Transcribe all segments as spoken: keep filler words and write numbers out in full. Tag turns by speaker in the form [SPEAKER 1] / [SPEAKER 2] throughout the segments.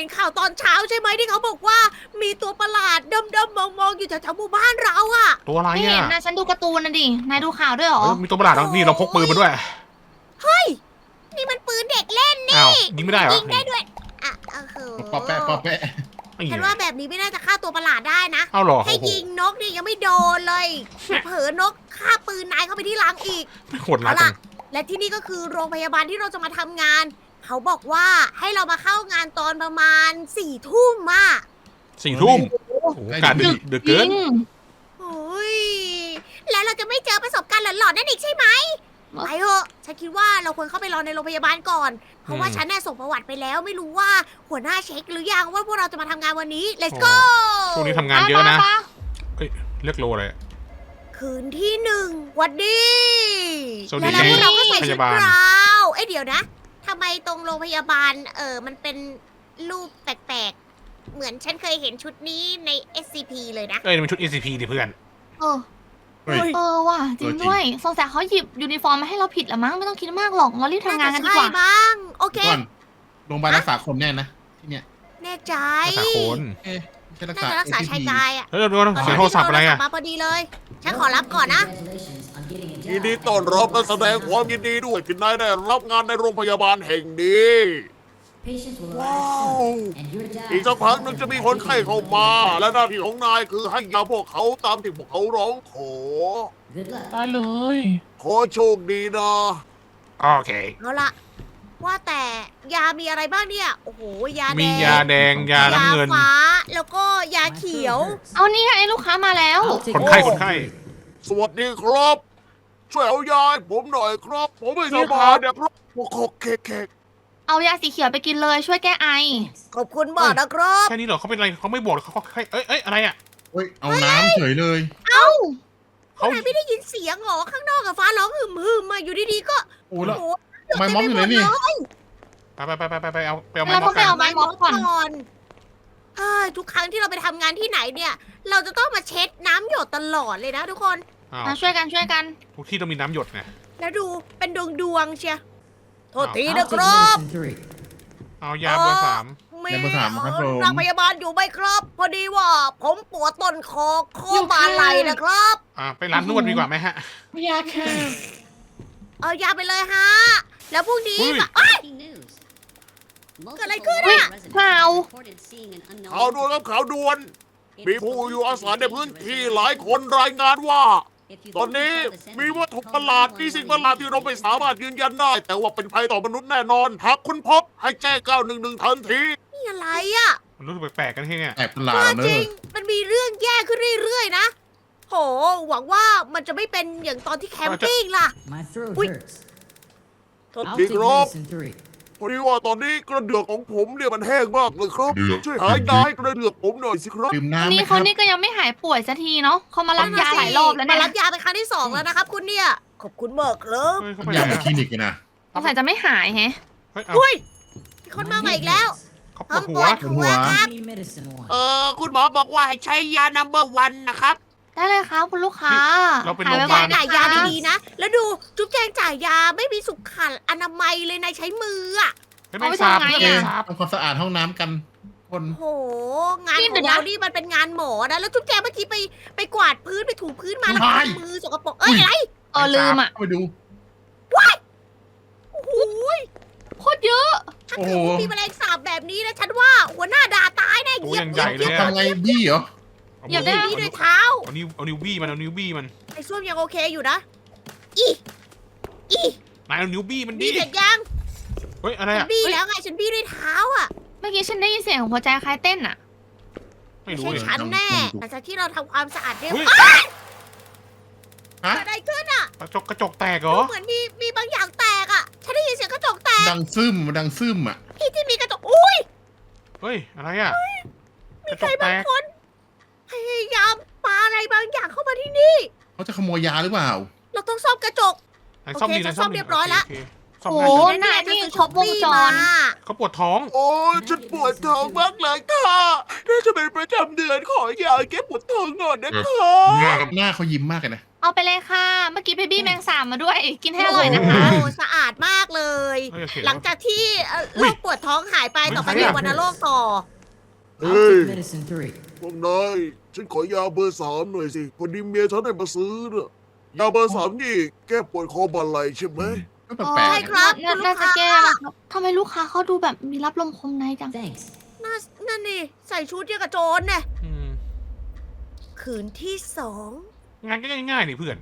[SPEAKER 1] ห็นข่าวตอนเช้าใช่ไหมที่เขาบอกว่ามีตัวประหลาดดำๆมองๆอยู่แถวๆหมู่บ้านเราอะ
[SPEAKER 2] ตัวอะไร
[SPEAKER 3] ไม่เห็น
[SPEAKER 2] อ่ะ
[SPEAKER 3] นะฉันดูการ์ตูนนะดินายดูข่าวด้วยเหรอ
[SPEAKER 2] เออมีตัวประหลาดแล้วนี่เราพกปืนมาด้วย
[SPEAKER 1] เฮ้ยนี่มันปืนเด็กเล่นนี่
[SPEAKER 2] อ้าวยิงไม่ได้เหรอ
[SPEAKER 1] ยิงได้ด้วยอ่ะโอ้โห
[SPEAKER 4] ปอแปะปอแปะ
[SPEAKER 2] นี่
[SPEAKER 1] ฉันว่าแบบนี้ไม่น่าจะฆ่าตัวประหลาดได้นะ
[SPEAKER 2] เอาเหรอ
[SPEAKER 1] ให้
[SPEAKER 2] โอ้โห
[SPEAKER 1] ยิงนกนี่ยังไม่โดนเลย เผลอนกฆ่าปืนนายเข้าไปที่หลังอีก
[SPEAKER 2] โหดร้าย
[SPEAKER 1] เอา
[SPEAKER 2] จั
[SPEAKER 1] ล่ะ
[SPEAKER 2] ง
[SPEAKER 1] และที่นี่ก็คือโรงพยาบาลที่เราจะมาทำงาน เขาบอกว่าให้เรามาเข้างานตอนประมาณสี่ทุ่มอ่ะ
[SPEAKER 2] สี่ทุ่มโอ้โหอากาศดึกดึก
[SPEAKER 3] จ
[SPEAKER 2] เกิ
[SPEAKER 3] ริ
[SPEAKER 2] น
[SPEAKER 3] ง
[SPEAKER 1] โอ้ยแล้วเราจะไม่เจอประสบการณ์หลอนๆนั่นอีกใช่ไหมไปเถอะฉันคิดว่าเราควรเข้าไปรอในโรงพยาบาลก่อน เพราะว่าฉันน่ะส่งประวัติไปแล้วไม่รู้ว่าหัวหน้าเช็คหรือยังว่าพวกเราจะมาทำงานวันนี้ let's go
[SPEAKER 2] ช่วงนี้ทำงานเยอะนะ
[SPEAKER 3] ป
[SPEAKER 2] เฮ้ยเรียกโลอะไร
[SPEAKER 1] คืนที่หนึ่งหวันดี
[SPEAKER 2] สวัสดี
[SPEAKER 1] แล้วพวกเราก็ใส่
[SPEAKER 2] พ
[SPEAKER 1] ชุด
[SPEAKER 2] ยาบาล
[SPEAKER 1] กราวเอ้ยเดี๋ยวนะทำไมตรงโรงพยาบาลเออมันเป็นรูปแปลกๆ เหมือนฉันเคยเห็นชุดนี้ใน เอส ซี พี เลยนะ
[SPEAKER 2] เอ้ยนี่มันชุด เอ ซี พี ดิเพื่อน
[SPEAKER 3] เออ
[SPEAKER 4] เฮ้ย
[SPEAKER 3] เออว่ะจริงด้วยสงสัยเขาหยิบยูนิฟอร์มมาให้เราผิดละมั้งไม่ต้องคิดมากหรอกเรารีบทำงานกันดีกว่า
[SPEAKER 1] ใช่บ้าง โอเค
[SPEAKER 4] ก่อนโรงพยาบาลรักษาคนแน่นะที่เนี่ย
[SPEAKER 1] แน่ใจ
[SPEAKER 2] ภาษาโคน
[SPEAKER 4] เอ๊ะไม่ใช่รัก
[SPEAKER 1] น่า
[SPEAKER 4] ษา
[SPEAKER 1] จะรักษาชายกายอ่ะ
[SPEAKER 2] เฮ้ยเดี๋ยวก่อนเสียงโทรศัพท์อะไรอ่ะ
[SPEAKER 1] มาพอดีเลย ฉันขอรับก่อนนะ
[SPEAKER 5] ยินดีต้อนรับและแสดงความยินดีด้วยที่นายได้รับงานในโรงพยาบาลแห่งนี้ ว้าว อีกสักพักหนึงจะมีคนไข้เข้ามา และหน้าที่ของนายคือให้ยาพวกเขาตามที่พวกเขาร้องขอ
[SPEAKER 2] ได้เลย
[SPEAKER 5] ขอโชคดีนะ
[SPEAKER 2] โอเค
[SPEAKER 1] เอาละว่าแต่ยามีอะไรบ้างเนี่ย โอ้โห ยาแดง
[SPEAKER 2] มียาแดงยาน้ำเงิน
[SPEAKER 1] ยาฟ้า แล้วก็ยาเขียว
[SPEAKER 3] เอานี่ไงลูกค้ามาแล้ว
[SPEAKER 2] คนไข้คนไข้
[SPEAKER 5] สวัสดีครับ ช่วยเอายาให้ผมหน่อยครับ ผมไม่สบายนะครับโอ้โหเคกเคก
[SPEAKER 3] เอายาสีเขียวไปกินเลยช่วยแก้ไอ
[SPEAKER 1] ขอบคุณมากนะครับ
[SPEAKER 2] แค่นี้เหรอเขาเป็นอะไรเขาไม่บอกเขาเขาเอ้ยเอ้ยอะไรอ่ะ
[SPEAKER 4] เฮ้ยเอาน้ำเฉยเลย
[SPEAKER 1] เอ้า
[SPEAKER 2] เขา
[SPEAKER 1] ทำไมไม่ได้ยินเสียงเหรอข้างนอกกับฟ้าร้องหึมหึมมาอยู่ดีๆก็
[SPEAKER 4] โอ้แล้ว
[SPEAKER 1] โอ้โห
[SPEAKER 4] ทำไมม็อบอยู่ไหนนี่
[SPEAKER 2] ไปไปไปไปไปไปเอาไปเอาไม้
[SPEAKER 3] แล้ว
[SPEAKER 2] ม็
[SPEAKER 3] ก็
[SPEAKER 2] อบ
[SPEAKER 3] ไป
[SPEAKER 2] กัน
[SPEAKER 3] เอาไม้ม็อบก่อน
[SPEAKER 1] อนเฮ้ยทุกครั้งที่เราไปทำงานที่ไหนเนี่ย เราจะต้องมาเช็ดน้ำหยดตลอดเลยนะทุกคน
[SPEAKER 2] อ้าว
[SPEAKER 3] มาช่วยกันช่วยกัน
[SPEAKER 2] ทุกที่ต้องมีน้ำหยดไง
[SPEAKER 1] แล้วดูเป็นดวงดวงๆเชียโทษทีนะครับ
[SPEAKER 2] เอายาเบอร์สาม
[SPEAKER 1] มี
[SPEAKER 4] ยาเบอร์สามครับผม
[SPEAKER 1] โรงพยาบาลอยู่ไหมครับ พอดีว่าผมปวดต้นคอข้อบ่าไหล่นะครับ
[SPEAKER 2] อ่าไปร้านนวดดีกว่าไหมฮะ
[SPEAKER 3] ยาแค่
[SPEAKER 1] เอายาไปเลยฮะ แล้วพรุ่งนี้
[SPEAKER 2] เฮ้ย
[SPEAKER 1] แบบเอ้ย
[SPEAKER 6] เกิดอะไรขึ้นอะ
[SPEAKER 3] เปล่า
[SPEAKER 5] ข่าวด่วนครับข่าวด่วน มีผู้อยู่อาศัยในพื้นที่หลายคนรายงานว่า ตอนนี้มีวัตถุประหลาดมีสิ่งประหลาดที่เราไม่สามารถยืนยันได้ แต่ว่าเป็นภัยต่อมนุษย์แน่นอน หากคุณพบให้แจ้งเก้าหนึ่งหนึ่งทันที
[SPEAKER 1] นี่อะไรอ่ะ
[SPEAKER 2] มันรู้สึกแปลกๆกันที่เนี่ย
[SPEAKER 4] แอบประหลา
[SPEAKER 1] ว่า
[SPEAKER 4] ดเล
[SPEAKER 1] จริ
[SPEAKER 4] ย
[SPEAKER 1] ง มันมีเรื่องแย่ขึ้นเรื่อยๆนะ โห หวังว่ามันจะไม่เป็นอย่างตอนที่แคมปิ้งล่ะ
[SPEAKER 6] My throat
[SPEAKER 1] Ui.
[SPEAKER 6] hurts.
[SPEAKER 1] โทษ
[SPEAKER 6] I'll
[SPEAKER 5] Big
[SPEAKER 6] take
[SPEAKER 5] Rob.
[SPEAKER 6] medicine three.
[SPEAKER 5] พอดีว่าตอนนี้กระเดือกของผมเนี่ยมันแห้งมากเลยครับ
[SPEAKER 4] เดือก
[SPEAKER 5] ช่วยหายาให้กระเดือกผมหน่อยสิครับ
[SPEAKER 4] ดื่ม
[SPEAKER 3] วัน
[SPEAKER 4] น้ำไหม
[SPEAKER 3] นี้
[SPEAKER 4] ค
[SPEAKER 3] เขา
[SPEAKER 4] รับ
[SPEAKER 3] นี่ก็ยังไม่หายป่วยสักทีเนาะเขามารับยาหลายรอบแล้วเนี่
[SPEAKER 1] มาย รับยาเป็นครั้งที่สองแล้วนะครับ คุณเนี่ย ขอบคุณมากครับ
[SPEAKER 2] เฮ้ยเขาไป
[SPEAKER 4] อ
[SPEAKER 2] ไหน
[SPEAKER 4] ยากไป
[SPEAKER 2] อะ
[SPEAKER 4] คลินิกกันนะ
[SPEAKER 3] สงสัยจะไม่หายแฮะ
[SPEAKER 2] เฮ้ยเอา
[SPEAKER 1] อุ้ยมีคนมาใหม่อีกแล้ว
[SPEAKER 2] เขาป
[SPEAKER 1] ห้
[SPEAKER 2] ว
[SPEAKER 1] อ
[SPEAKER 2] ด
[SPEAKER 1] ง
[SPEAKER 2] หั
[SPEAKER 1] ป
[SPEAKER 2] ว
[SPEAKER 1] วดหัวครับ
[SPEAKER 6] Give me medicine one.
[SPEAKER 5] เออคุณหมอบอกว่าให้ใช้ยา นัมเบอร์วันนะครับ
[SPEAKER 3] ได้เลยครับคุณลูกค้า
[SPEAKER 2] เราเป็น
[SPEAKER 3] หาย
[SPEAKER 2] โรงพยา
[SPEAKER 3] ไว
[SPEAKER 2] บาล
[SPEAKER 3] ๆ
[SPEAKER 1] จ่ายยา
[SPEAKER 3] นะคะ
[SPEAKER 1] ดีๆนะ แล้วดูจุ๊บแจงจ่ายยาไม่มีสุขอนามัยเลยนายใช้มืออ่ะ
[SPEAKER 2] ไม่ไม่ทราบ
[SPEAKER 3] เอาไปทำไง
[SPEAKER 2] ไม่
[SPEAKER 3] อะ
[SPEAKER 2] ทราบ
[SPEAKER 4] ทำความสะอาดห้องน้ำกัน คน
[SPEAKER 1] โห งาน
[SPEAKER 3] นี่
[SPEAKER 1] ข
[SPEAKER 3] เดี๋
[SPEAKER 1] อง
[SPEAKER 3] ยวนะ
[SPEAKER 1] เรานี่มันเป็นงานหมอนะ แล้วจุ๊บแจงเมื่อกี้ไปไปกวาดพื้นไปถูพื้นมาแล้ว
[SPEAKER 4] ไม่
[SPEAKER 1] มือสกปรก เอ้ยอะไร
[SPEAKER 3] เออลืมอ่ะ
[SPEAKER 4] เข้าไปดู
[SPEAKER 1] โอ้โห
[SPEAKER 3] โคตรเยอะ
[SPEAKER 1] ถ้า
[SPEAKER 4] โอ้
[SPEAKER 1] เกิ
[SPEAKER 4] โห
[SPEAKER 1] ดว่ามีแมลงสาบแบบนี้นะฉันว่าหัวหน้าด่าตายแน่
[SPEAKER 2] ตัว
[SPEAKER 1] เหยีย
[SPEAKER 2] ยั
[SPEAKER 1] บ
[SPEAKER 2] ง
[SPEAKER 1] เห
[SPEAKER 2] ให
[SPEAKER 1] ยี
[SPEAKER 2] ญ่
[SPEAKER 1] ยบ
[SPEAKER 2] เลย
[SPEAKER 4] ทำไงบี้เหรอ
[SPEAKER 2] เอา
[SPEAKER 3] เหยียบได้
[SPEAKER 2] มือ
[SPEAKER 1] นี่ด้วยเท้า
[SPEAKER 2] เอานิ้วเอานิ้วบี้มันเอานิ้วบี้มัน
[SPEAKER 1] ไอ้ส้วมยังโอเคอยู่นะ อีอี
[SPEAKER 2] นายเอานิ้วบี้มัน
[SPEAKER 1] บี้
[SPEAKER 2] ดิ
[SPEAKER 1] เสร็จยัง
[SPEAKER 2] เฮ้ยอะไร
[SPEAKER 1] ฉัน
[SPEAKER 2] อ่ะ
[SPEAKER 1] บี้แล้วไงฉันบี้ด้วยเท้าอ่ะ
[SPEAKER 3] เมื่อกี้ฉันได้ยินเสียงของหัวใจคล้ายเต้นอ่ะ
[SPEAKER 2] ไม่
[SPEAKER 1] ไม่
[SPEAKER 2] รู้
[SPEAKER 1] ใช่
[SPEAKER 2] เลย
[SPEAKER 1] ฉันแน่
[SPEAKER 4] ลองดู
[SPEAKER 1] หลังจากที่เราทำความสะอาดเรียบ
[SPEAKER 2] เฮ้ย
[SPEAKER 1] ร้อย
[SPEAKER 4] ฮะ
[SPEAKER 1] เกิดอะไรขึ้นอ่ะ
[SPEAKER 2] กระจกกระจกแตกเหรอ
[SPEAKER 1] เหมือนมีมีบางอย่างแตกอ่ะ ฉันได้ยินเสียงกระจกแตก
[SPEAKER 4] ดังซึมดังซึมอ่ะ
[SPEAKER 1] ที่ที่มีกระจก อุ้ย
[SPEAKER 2] เฮ้ยอะไรอ่ะก
[SPEAKER 1] มี
[SPEAKER 2] ระ
[SPEAKER 1] ใค
[SPEAKER 2] จ
[SPEAKER 1] ร
[SPEAKER 2] กแต
[SPEAKER 1] บาง
[SPEAKER 2] ก
[SPEAKER 1] คนพยายามปาอะไรบางอย่างเข้ามาที่นี่
[SPEAKER 4] เขาจะขโมยยาหรือเปล่า
[SPEAKER 1] เราต้องซ่อมกระจก
[SPEAKER 2] นายซ่อมดี
[SPEAKER 1] โอเค
[SPEAKER 2] นาย
[SPEAKER 1] ซ่อมเรียบร้อยละ
[SPEAKER 2] โเคซ่อม
[SPEAKER 3] โอ้
[SPEAKER 2] ได้
[SPEAKER 3] โห
[SPEAKER 2] ใช่ไหม
[SPEAKER 3] นายนี่ครบวงจร
[SPEAKER 1] มา
[SPEAKER 2] เขาปวดท้อง
[SPEAKER 5] โอ้ยฉันปวดท้องมากเลยค่ะน่าจะเป็นประจำเดือนขอยาแก้ปวดท้องหน่อยนะคะ
[SPEAKER 4] หน้าหน้าเขายิ้มมากเลยนะ
[SPEAKER 3] เอาไปเลยค่ะ เมื่อกี้เบบี้แมงสาบมาด้วย กินให้อร่อยนะคะ
[SPEAKER 1] โอ้สะอาดมากเลย
[SPEAKER 2] เฮ้ยโอเค
[SPEAKER 1] หลังจากที่เอ่อโรคปวดท้องหายไปต่อไปเป็นวัณโรคต่อ
[SPEAKER 5] เฮ้ย
[SPEAKER 6] medicine three.
[SPEAKER 5] พวกนายฉันขอยาเบอร์สามหน่อยสิพอดีเมียฉันให้มาซื้อน่ะยาเบอร์สามนี่แก้ปวดคอบาไหลใช่ไหม
[SPEAKER 4] ก็แปลก
[SPEAKER 1] ใช่
[SPEAKER 4] ๆ
[SPEAKER 1] ครั
[SPEAKER 4] นะ
[SPEAKER 1] บ
[SPEAKER 3] น่า
[SPEAKER 1] คุณลู
[SPEAKER 3] น่าก จะ
[SPEAKER 1] ค้า
[SPEAKER 3] แก้แล้วครับทำไมลูกค้าเขาดูแบบมีรับลมคมในจัง
[SPEAKER 6] Thanks.
[SPEAKER 1] น่านั่นนี่ใส่ชุดเดียวกับโจรเนี่ย
[SPEAKER 2] อืม
[SPEAKER 1] คืนที่สอง
[SPEAKER 2] งานก็ง่ายๆนี่เพื่อน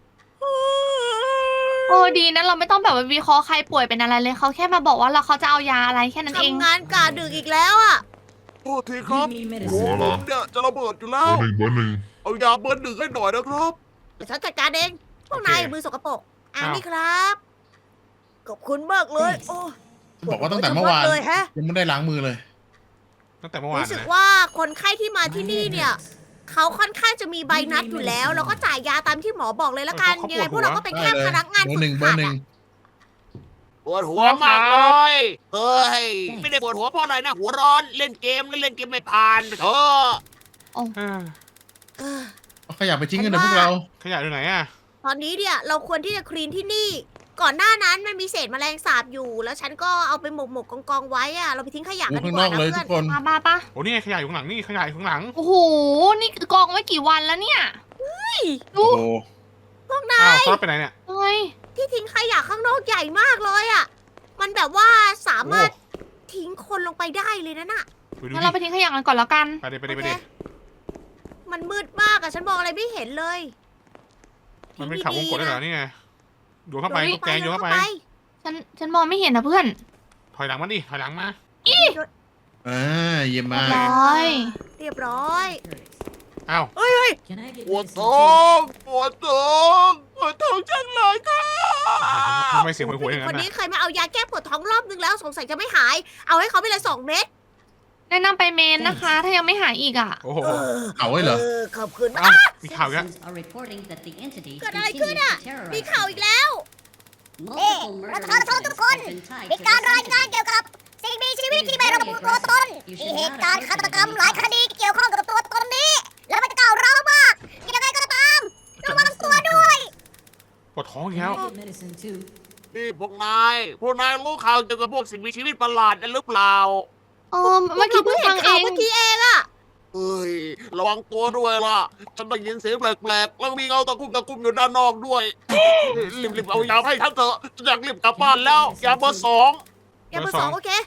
[SPEAKER 3] โอ้ดีนะเราไม่ต้องแบบว่าวิเคราะห์ใครป่วยเป็นอะไรเลยเขาแค่มาบอกว่าเราเขาจะเอายาอะไรแค่นั้นเอง
[SPEAKER 1] ทำงานกะดึกอีกแล้วอ่ะ
[SPEAKER 5] โทษทีครับ
[SPEAKER 6] Give me
[SPEAKER 5] หัว
[SPEAKER 6] medicine.
[SPEAKER 5] ผมเนี่ยจะระเบิดอยู่แล้ว
[SPEAKER 7] เบอร์หนึ่งเบอร์หนึ่ง
[SPEAKER 5] เอายาเบอร์หนึ่งให้หน่อยนะครับ
[SPEAKER 1] เดี๋ยวฉันจัดการเองพวกนาย
[SPEAKER 2] โอเค
[SPEAKER 1] มือสกปรกอ่า
[SPEAKER 2] อ้าว
[SPEAKER 1] นี่ครับ ขอบคุณมากเลย โอ้
[SPEAKER 4] บอกว่าตั้งแต่เมื่อวาน
[SPEAKER 1] เลยแฮะ
[SPEAKER 4] ยังไม่ได้ล้างมือเลย
[SPEAKER 2] ตั้งแต่เมื่อวาน
[SPEAKER 1] รู้สึก
[SPEAKER 2] นะ
[SPEAKER 1] ว่าคนไข้ที่มาที่นี่เนี่ย เขาค่อนข้างจะมีใบนัดอยู่แล้ว แล้วก็จ่ายยาตามที่หมอบอกเลยละกัน ยังไงพวกเราก็เป็นแค่
[SPEAKER 4] ได้เลย
[SPEAKER 1] พนักงาน
[SPEAKER 4] เบอ
[SPEAKER 1] ฝึ
[SPEAKER 4] ร์หนึ่
[SPEAKER 1] ก
[SPEAKER 4] งเบอ
[SPEAKER 1] หัด
[SPEAKER 4] ร์หนึ่ง
[SPEAKER 1] อะ
[SPEAKER 5] ปวดหัวมากเลย เฮ้ย ไม่ได้ปวดหัวเพราะอะไรนะ หัวร้อนเล่นเกมแล้วเล่นเกมไม่ผ่านเธอ
[SPEAKER 2] เออ
[SPEAKER 1] เออ
[SPEAKER 4] เอาขยะไปทิ้งกันเถอะพวกเรา
[SPEAKER 2] ขยะอยู่ไหนอ่ะ
[SPEAKER 1] ตอนนี้เนี่ยเราควรที่จะคลีนที่นี่ ก่อนหน้านั้นมันมีเศษแมลงสาบอยู่ แล้วฉันก็เอาไปหมกหมกกองกองๆไว้อะเราไปทิ้งขยะ
[SPEAKER 4] ดู
[SPEAKER 1] กันดี
[SPEAKER 4] ข้าง
[SPEAKER 1] ก
[SPEAKER 4] นอ
[SPEAKER 1] ว่าก นะ
[SPEAKER 4] เลย
[SPEAKER 1] เพื่
[SPEAKER 4] ทุ
[SPEAKER 1] อน
[SPEAKER 4] กคน
[SPEAKER 3] มาบ้าปะ
[SPEAKER 2] โอ้นี่ไงขยะอยู่ข้างหลังนี่ขยะอยู่ข้างหลัง
[SPEAKER 3] โอ้โห นี่กองไว้กี่วันแล้วเนี่ยดู
[SPEAKER 4] โอ้โห
[SPEAKER 1] พวกนา
[SPEAKER 2] อ้าวย ซอสไปไหนเนี่ย
[SPEAKER 3] เฮ้ย
[SPEAKER 1] ที่ทิ้งขยะข้างนอกใหญ่มากเลยอะมันแบบว่าสามารถทิ้งคนลงไปได้เลยนะน่ะ
[SPEAKER 2] ไปดู
[SPEAKER 3] งั้น
[SPEAKER 2] ดิ
[SPEAKER 3] เราไปทิ้งขยะกันก่อนแล้วกัน
[SPEAKER 2] ไปดิไปดิไป
[SPEAKER 1] โอเค
[SPEAKER 2] ดิ
[SPEAKER 1] มันมืดมากอะฉันมองอะไรไม่เห็นเลย
[SPEAKER 2] มันเป็นเขาวงกดได้เหรอนี่ไงโยนเข้าไป
[SPEAKER 1] โย
[SPEAKER 2] ตุ๊กแกงโยนเข้าไป
[SPEAKER 3] ฉันฉันมองไม่เห็นนะเพื่อน
[SPEAKER 2] ถอยหลังมาดิถอยหลังมา
[SPEAKER 4] อ่าเยี่ยม
[SPEAKER 3] เรี
[SPEAKER 4] มาย
[SPEAKER 3] บ
[SPEAKER 4] ก
[SPEAKER 3] ร้อย
[SPEAKER 1] เรียบร้อย
[SPEAKER 2] อ้าว
[SPEAKER 1] เฮ้ยเฮ้ย
[SPEAKER 6] Can I get
[SPEAKER 5] ปวด
[SPEAKER 6] medicine
[SPEAKER 5] ท้อ
[SPEAKER 6] two?
[SPEAKER 5] งปวดท้องปวดท้องจังเลยค่ะ
[SPEAKER 2] ทำไมเสียงหวยๆอย่าง
[SPEAKER 1] คน
[SPEAKER 2] นั้น
[SPEAKER 1] นี้
[SPEAKER 2] น่ะ
[SPEAKER 1] เคยมาเอายาแก้ปวดท้องรอบนึงแล้วสงสัยจะไม่หาย เอาให้เขาไปเลยสองเม็ด
[SPEAKER 3] แนะนำไปเมนนะคะ ถ้ายังไม่หายอีกอ่ะ
[SPEAKER 2] โอ้โห
[SPEAKER 4] เอาไว้เหรอ
[SPEAKER 1] เออขอบคุณ
[SPEAKER 2] อ้าวมีข่าวอีกแล้ว
[SPEAKER 6] Citizens are reporting that the entity
[SPEAKER 1] เกิดอะไร
[SPEAKER 6] continues
[SPEAKER 1] ขึ้น
[SPEAKER 6] to
[SPEAKER 1] อ่ะ
[SPEAKER 6] terrorize
[SPEAKER 1] มีข่าวอีกแล้ว
[SPEAKER 6] Multiple murder incidents have been tied
[SPEAKER 1] มี
[SPEAKER 6] to
[SPEAKER 1] การ
[SPEAKER 6] this
[SPEAKER 1] รายงาน
[SPEAKER 6] entity.
[SPEAKER 1] เกี่ยวกับสิ่งมีชีวิตที่ไม่ระบุตัวตน มีเหตุการณ์ฆาตกรรมหลายคดีเกี่ยวข้องกับตัวตนนี้ แล้วมันจะก้าวร้าวมาก ยังไงก็ตามระวังตัวด้วย
[SPEAKER 2] ปวดท้องอีกแล้ว
[SPEAKER 6] Can I get medicine two?
[SPEAKER 5] นี่พวกนาย พวกนายรู้ข่าวเกี่ยวกับพวกสิ่งมีชีวิตประหลาดกันหรือเปล่า
[SPEAKER 3] เออเมื่อกี้เพิ่งฟังเอง
[SPEAKER 1] เมื่อกี้เองอะ
[SPEAKER 5] เฮ้ย ระวังตัวด้วยล่ะ ฉันได้ยินเสียงแปลกๆ แล้วมีเงาตะคุ่มตะคุ่มอยู่ด้านนอกด้วย รีบๆเอายาให้ฉันเถอะฉันอยากรีบกลับบ้านแล้ว ยาเบอร์สอง
[SPEAKER 1] อย่าเบอร์สองโอเค